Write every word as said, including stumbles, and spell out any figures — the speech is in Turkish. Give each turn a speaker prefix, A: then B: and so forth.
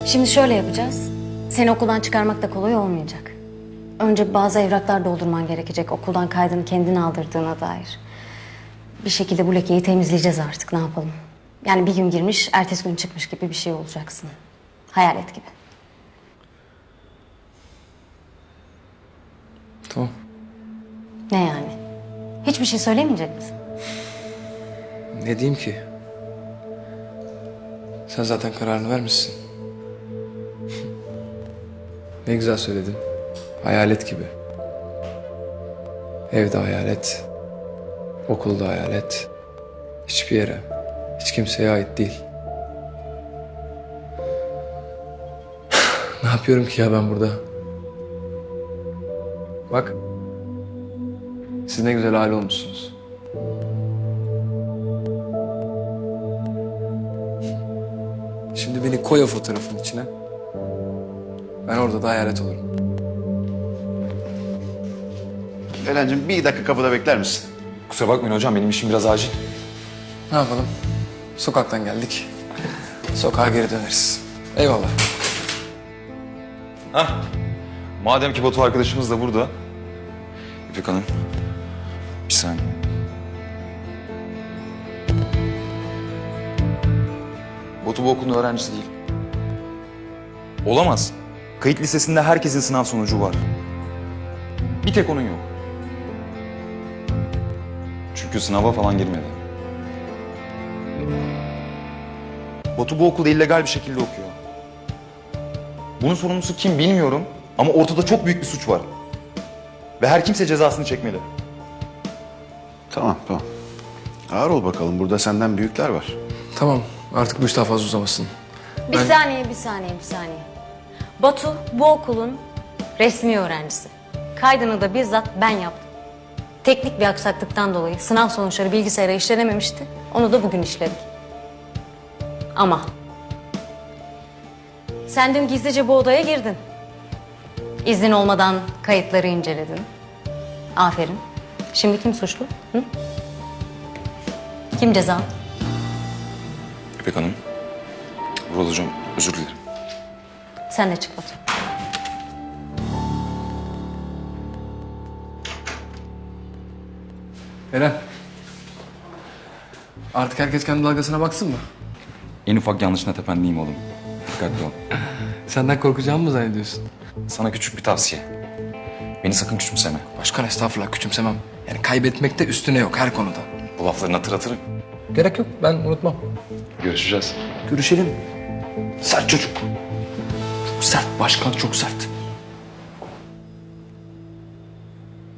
A: Şimdi şöyle yapacağız. Seni okuldan çıkarmak da kolay olmayacak. Önce bazı evraklar doldurman gerekecek. Okuldan kaydını kendin aldırdığına dair. Bir şekilde bu lekeyi temizleyeceğiz artık. Ne yapalım? Yani bir gün girmiş, ertesi gün çıkmış gibi bir şey olacaksın. Hayalet gibi.
B: Tamam.
A: Ne yani? Hiçbir şey söylemeyecek misin?
B: Ne diyeyim ki? Sen zaten kararını vermişsin. Ne güzel söyledin. Hayalet gibi. Evde hayalet. Okulda hayalet. Hiçbir yere, hiç kimseye ait değil. Ne yapıyorum ki ya ben burada? Bak. Siz ne güzel aile olmuşsunuz. Şimdi beni koy o fotoğrafın içine. Ben orada da hayalet olurum.
C: Eren'cim bir dakika kapıda bekler misin?
D: Kusura bakmayın hocam, benim işim biraz acil.
B: Ne yapalım? Sokaktan geldik. Sokağa geri döneriz. Eyvallah.
D: Hah. Madem ki Batu arkadaşımız da burada. İpek Hanım. Bir saniye. Batu bu okulun öğrencisi değil. Olamaz. Kayıt listesinde herkesin sınav sonucu var. Bir tek onun yok. Çünkü sınava falan girmedi. Batu bu okulda illegal bir şekilde okuyor. Bunun sorumlusu kim bilmiyorum ama ortada çok büyük bir suç var. Ve her kimse cezasını çekmeli.
C: Tamam tamam. Ağır ol bakalım, burada senden büyükler var.
B: Tamam, artık bu iş daha fazla uzamasın.
A: Bir
B: Ben-
A: saniye, bir saniye, bir saniye. Batu bu okulun resmi öğrencisi. Kaydını da bizzat ben yaptım. Teknik bir aksaklıktan dolayı sınav sonuçları bilgisayara işlenememişti. Onu da bugün işledik. Ama sen dün gizlice bu odaya girdin. İzin olmadan kayıtları inceledin. Aferin. Şimdi kim suçlu? Hı? Kim ceza?
D: İpek Hanım. Vural Hocam, özür dilerim.
A: Sen de çık Batu.
B: Eren. Artık herkes kendi dalgasına baksın mı?
D: En ufak yanlışına tependiyim oğlum. Dikkatli ol.
B: Senden korkacağımı mı zannediyorsun?
D: Sana küçük bir tavsiye. Beni sakın küçümseme.
B: Başkan estağfurullah küçümsemem. Yani kaybetmekte üstüne yok her konuda.
D: Bu laflarını hatırlatırım.
B: Gerek yok, ben unutmam.
D: Görüşeceğiz.
B: Görüşelim. Sert çocuk. Çok sert, başkan çok sert.